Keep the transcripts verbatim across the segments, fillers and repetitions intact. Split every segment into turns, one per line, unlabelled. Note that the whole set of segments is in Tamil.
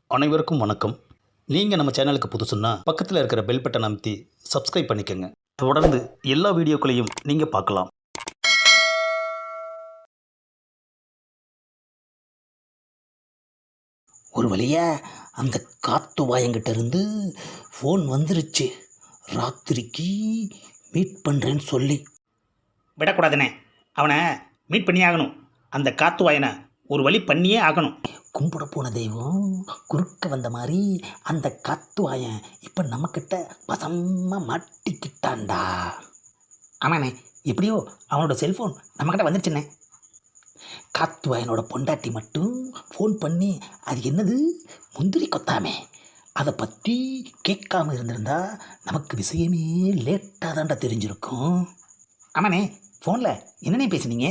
அனைவருக்கும் வணக்கம். நீங்கள் நம்ம சேனலுக்கு புதுசுன்னா பக்கத்தில் இருக்கிற பெல் பட்டன் அமைத்தி சப்ஸ்கிரைப் பண்ணிக்கோங்க. தொடர்ந்து எல்லா வீடியோக்களையும் நீங்கள் பார்க்கலாம்.
ஒரு வழியாக அந்த காத்து வாயங்கிட்ட இருந்து ஃபோன் வந்துருச்சு. ராத்திரிக்கு மீட் பண்ணுறேன்னு சொல்லி.
விடக்கூடாதுண்ணே, அவனை மீட் பண்ணி ஆகணும். அந்த காத்து வாயனை ஒரு வழி பண்ணியே ஆகணும்.
கும்பிட போன தெய்வம் குறுக்க வந்த மாதிரி அந்த காத்து வாயன் இப்போ நம்மக்கிட்ட வசமாக மாட்டிக்கிட்டான்டா. ஆமாண்ணே, எப்படியோ அவனோட செல்ஃபோன் நம்மக்கிட்ட வந்துருச்சுண்ணே. காத்து வாயனோட பொண்டாட்டி மட்டும் ஃபோன் பண்ணி அது என்னது முந்திரி கொத்தாமே அதை பற்றி கேட்காம இருந்திருந்தா நமக்கு விஷயமே லேட்டாக தான்டா தெரிஞ்சிருக்கும். ஆமாண்ணே, ஃபோனில் என்னண்ணே பேசுனீங்க?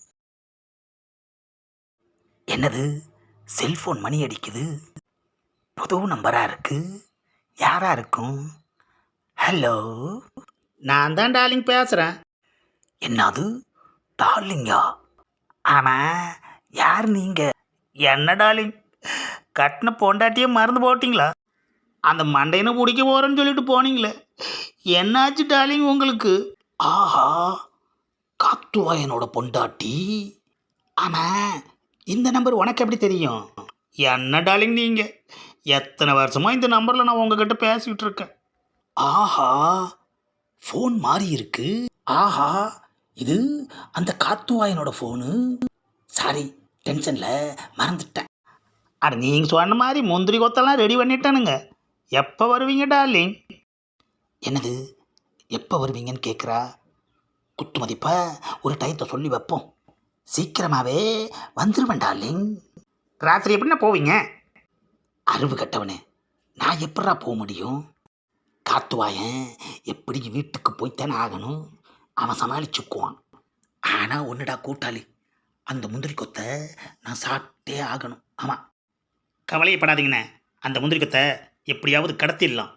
என்னது செல்ஃபோன் மணி அடிக்குது, புது நம்பராக இருக்குது, யாராக இருக்கும்? ஹலோ,
நான் தான் டார்லிங் பேசுகிறேன்.
என்னது டார்லிங்கா? ஆமாம், யார் நீங்கள்?
என்ன டார்லிங், கட்டின பொண்டாட்டியே மறந்து போட்டிங்களா? அந்த மண்டையனை பிடிக்க போகிறேன்னு சொல்லிட்டு போனீங்களே, என்னாச்சு டார்லிங் உங்களுக்கு?
ஆஹா, காத்துவாயனோட பொண்டாட்டி. ஆமாம்,
இந்த நம்பர் உனக்கு எப்படி தெரியும்? என்ன டார்லிங் நீங்கள், எத்தனை வருஷமாக இந்த நம்பரில் நான் உங்ககிட்ட பேசிக்கிட்டு இருக்கேன்.
ஆஹா, ஃபோன் மாறி இருக்கு. ஆஹா, இது அந்த காத்துவாயனோட ஃபோனு. சாரி, டென்ஷனில் மறந்துட்டேன்.
அட நீங்கள் சொன்ன மாதிரி முந்திரி கொத்தெல்லாம் ரெடி பண்ணிட்டானுங்க. எப்போ வருவீங்க டார்லிங்?
என்னது எப்போ வருவீங்கன்னு கேட்குறா. குத்து மதிப்பாக ஒரு டயத்தை சொல்லி வைப்போம். சீக்கிரமாகவே வந்துடுவேன் டார்லிங்.
ராத்திரி எப்படின்னா போவீங்க?
அறிவு கட்டவனே, நான் எப்படா போக முடியும்? காத்துவாயன் எப்படி வீட்டுக்கு போய்த்தானே ஆகணும், அவன் சமாளிச்சுக்குவான். ஆனால் ஒன்றுடா கூட்டாளி, அந்த முந்திரி கொத்தை நான் சாப்பிட்டே ஆகணும். ஆமாம்,
கவலையப்படாதீங்கண்ணே, அந்த முந்திரி கொத்தை எப்படியாவது கடத்திடலாம்.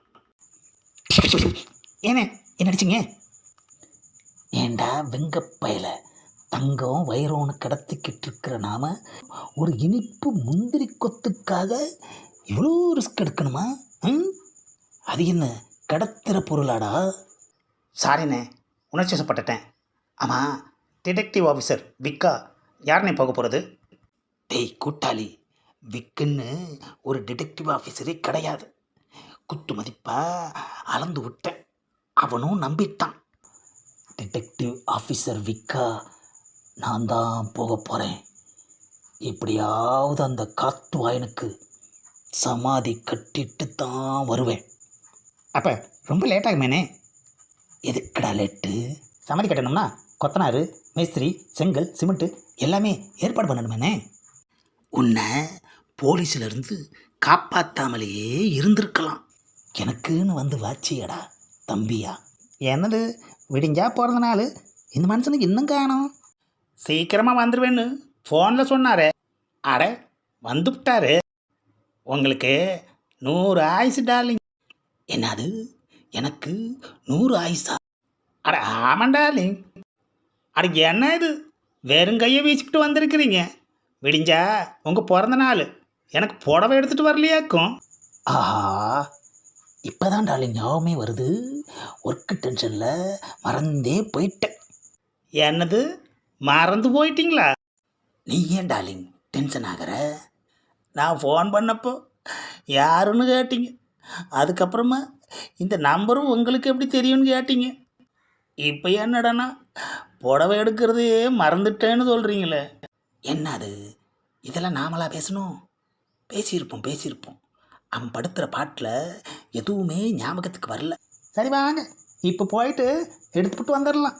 ஏனே என்ன அடிச்சிங்க? ஏண்டா வெங்கப்பயல, தங்கம் வைரோன்னு கடத்திக்கிட்டு இருக்கிற நாம ஒரு இனிப்பு முந்திரி கொத்துக்காக இவ்வளோ ரிஸ்க் எடுக்கணுமா? ம், அது என்ன கடத்துகிற பொருளாடா?
சாரிண்ணே, உணர்ச்சி வசப்பட்டுட்டேன். ஆமாம், டிடெக்டிவ் ஆஃபீஸர் விக்கா யாருண்ணே போக போகிறது?
டேய் கூட்டாளி, விக்குன்னு ஒரு டிடெக்டிவ் ஆஃபீஸரே கிடையாது. குத்து மதிப்பா அளந்து விட்டேன், அவனும் நம்பிட்டான். டிடெக்டிவ் ஆஃபீஸர் விக்கா நான் தான் போக போகிறேன். எப்படியாவது அந்த காத்து வாயனுக்கு சமாதி கட்டிட்டு தான் வருவேன்.
அப்போ ரொம்ப லேட் ஆகுமேனே.
எதுக்கடா லேட்டு?
சமாதி கட்டணும்னா கொத்தனார், மேஸ்திரி, செங்கல், சிமெண்ட்டு எல்லாமே ஏற்பாடு பண்ணணுமேனே.
உன்னை போலீஸிலிருந்து காப்பாற்றாமலேயே இருந்திருக்கலாம். எனக்குன்னு வந்து வாச்சியடா தம்பியா.
என்னது விடிஞ்சா போகிறதுனால இந்த மனுஷனுக்கு இன்னும் காணும். சீக்கிரமாக வந்துடுவேன்னு ஃபோனில் சொன்னாரே. அட வந்துவிட்டாரு. உங்களுக்கு நூறு ஆயுசு டார்லிங்.
என்னது எனக்கு நூறு ஆயுசா?
அட ஆமாம் டார்லிங். அட என்ன இது வெறும் கையை வீசிக்கிட்டு வந்திருக்கிறீங்க? விடிஞ்சா உங்கள் பிறந்த நாள், எனக்கு புடவை எடுத்துகிட்டு வரலையாக்கும்.
ஆஹா, இப்போ தான் டார்லிங் ஞாபகமே வருது. ஒர்க்கு டென்ஷனில் மறந்தே போயிட்டேன்.
என்னது மறந்து போயிட்டீங்களா?
நீ ஏன் டார்லிங் டென்ஷன் ஆகிற?
நான் ஃபோன் பண்ணப்போ யாருன்னு கேட்டீங்க, அதுக்கப்புறமா இந்த நம்பரும் உங்களுக்கு எப்படி தெரியும்னு கேட்டீங்க. இப்போ என்னடானா புடவை எடுக்கிறதையே மறந்துட்டேன்னு சொல்கிறீங்களே.
என்னது இதெல்லாம் நாமளா பேசணும்? பேசியிருப்போம் பேசியிருப்போம் அவன் படுத்துகிற பாட்டில் எதுவுமே ஞாபகத்துக்கு வரல.
சரி வாங்க, இப்போ போயிட்டு எடுத்துக்கிட்டு வந்துடலாம்.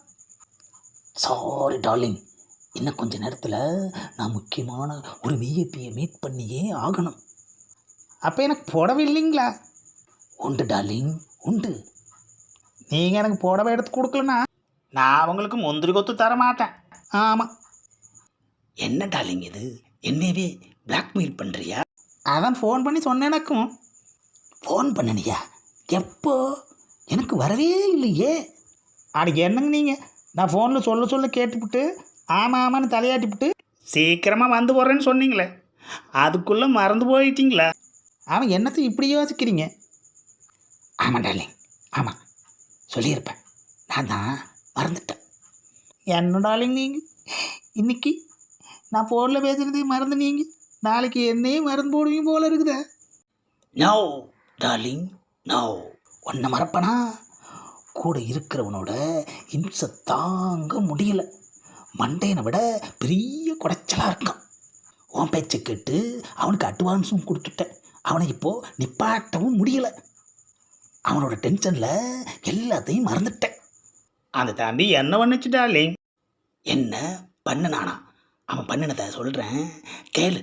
சாரி டார்லிங், இன்னும் கொஞ்ச நேரத்தில் நான் முக்கியமான ஒரு விஐபியை மீட் பண்ணியே ஆகணும்.
அப்போ எனக்கு புடவை இல்லைங்களா?
உண்டு டார்லிங் உண்டு.
நீங்கள் எனக்கு புடவை எடுத்து கொடுக்கலன்னா நான் உங்களுக்கு முந்திரி கொத்து தர மாட்டேன். ஆமாம்.
என்ன டார்லிங் இது, என்னவே பிளாக்மெயில் பண்ணுறியா?
அதான் ஃபோன் பண்ணி சொன்னேன். எனக்கும்
ஃபோன் பண்ணனியா? எப்போ? எனக்கு வரவே இல்லையே.
அட என்னங்க நீங்கள், நான் ஃபோனில் சொல்ல சொல்ல கேட்டுவிட்டு ஆமாம் ஆமான்னு தலையாட்டிவிட்டு சீக்கிரமாக வந்து போகிறேன்னு சொன்னீங்களே, அதுக்குள்ளே மறந்து போயிட்டீங்களா? அவன் என்னத்தை இப்படி யோசிக்கிறீங்க?
ஆமாம் டார்லிங், ஆமாம் சொல்லியிருப்பேன், நான் தான் மறந்துட்டேன்.
என்ன டார்லிங் நீங்கள் இன்னைக்கு நான் ஃபோனில் பேசுகிறதே மறந்து நீங்கள் நாளைக்கு என்னையே மறந்து போடுவீங்க போல இருக்குதே.
No darling no. ஒன்றை மறப்பனா, கூட இருக்கிறவனோட இம்சை தாங்க முடியல. மண்டையனை விட பெரிய குடைச்சலாக இருக்கான். உன் பேச்சை கேட்டு அவனுக்கு அட்வான்ஸும் கொடுத்துட்டேன். அவனை இப்போது நிப்பாட்டவும் முடியலை. அவனோட டென்ஷனில் எல்லாத்தையும் மறந்துட்டேன்.
அந்த தம்பி என்ன பண்ணுச்சு டார்லிங்?
என்ன பண்ணுனானா? அவன் பண்ணினதை சொல்கிறேன் கேளு.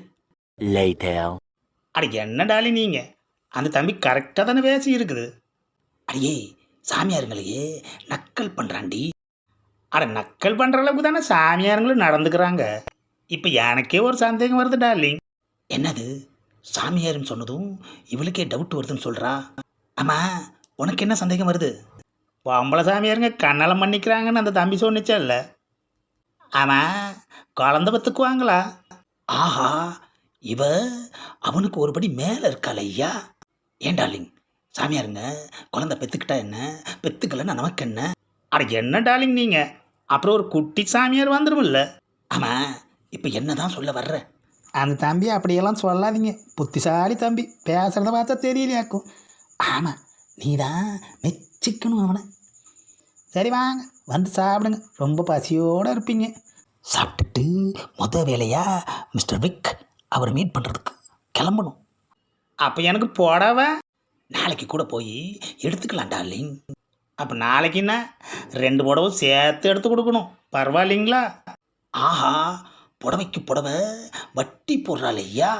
அட என்ன டார்லிங் நீங்கள், அந்த தம்பி கரெக்டாக தானே பேசி இருக்குது.
அடியே சாமியாருங்களையே நக்கல் பண்ணுறான்டி.
அட நக்கல் பண்ணுற அளவுக்கு தானே சாமியாருங்களும் நடந்துக்கிறாங்க. இப்போ எனக்கே ஒரு சந்தேகம் வருது டார்லிங்.
என்னது, சாமியாருன்னு சொன்னதும் இவளுக்கே டவுட் வருதுன்னு சொல்கிறா. ஆமாம், உனக்கு என்ன சந்தேகம் வருது?
பொம்பளை சாமியாருங்க கண்ணாலம் பண்ணிக்கிறாங்கன்னு அந்த தம்பி சொன்னிச்சா இல்லை? ஆமாம், குழந்த பத்துக்குவாங்களா?
ஆஹா, இவ அவனுக்கு ஒருபடி மேலே இருக்காள் ஐயா. ஏன் டார்லிங், சாமியாருங்க குழந்தை பெற்றுக்கிட்டா என்ன, பெற்றுக்கலன்னா நமக்கு என்ன?
அட என்ன டார்லிங் நீங்கள், அப்புறம் ஒரு குட்டி சாமியார் வந்துடும்ல.
ஆமாம், இப்போ என்ன தான் சொல்ல வர்ற?
அந்த தம்பி அப்படியெல்லாம் சொல்லாதீங்க, புத்திசாலி தம்பி, பேசுகிறத பார்த்தா தெரியலையாக்கும்.
ஆமாம், நீ தான் மெச்சிக்கணும் அவனை.
சரி வாங்க வந்து சாப்பிடுங்க, ரொம்ப பசியோடு இருப்பீங்க.
சாப்பிட்டுட்டு முத வேலையா மிஸ்டர் விக் அவரை மீட் பண்ணுறதுக்கு கிளம்பணும்.
அப்போ எனக்கு புடவை
நாளைக்கு கூட போய் எடுத்துக்கலாம் டார்லிங்.
அப்போ நாளைக்குன்னா ரெண்டு புடவை சேர்த்து எடுத்து கொடுக்கணும், பரவாயில்லைங்களா?
ஆஹா, புடவைக்கு புடவை வட்டி போடுறாள் ஐயா.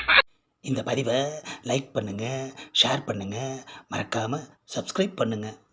இந்த பதிவை லைக் பண்ணுங்கள், ஷேர் பண்ணுங்கள், மறக்காமல் சப்ஸ்கிரைப் பண்ணுங்கள்.